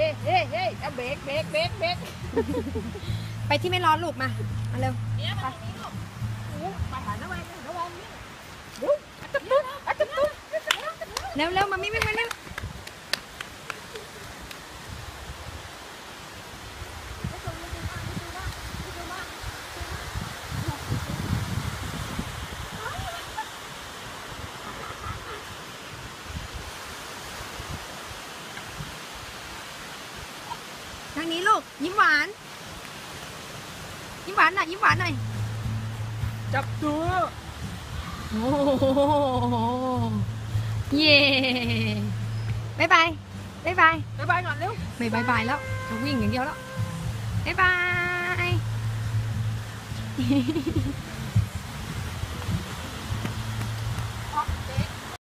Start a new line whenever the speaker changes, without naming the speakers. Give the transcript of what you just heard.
เอาเบรก
ไปที่ไม่ร้อนลูกมาเร็ว
ไปไปหาน้ำมันนี่เ
เร็วมาไม่ทางนี้ลูกยิ้มหวานหน่อย
จับตัว
โอ้เย่บายบาย
ก่อนเร็ว
ไม่บายแล้วจะวิ่งอย่างเดียวแล้วบายบาย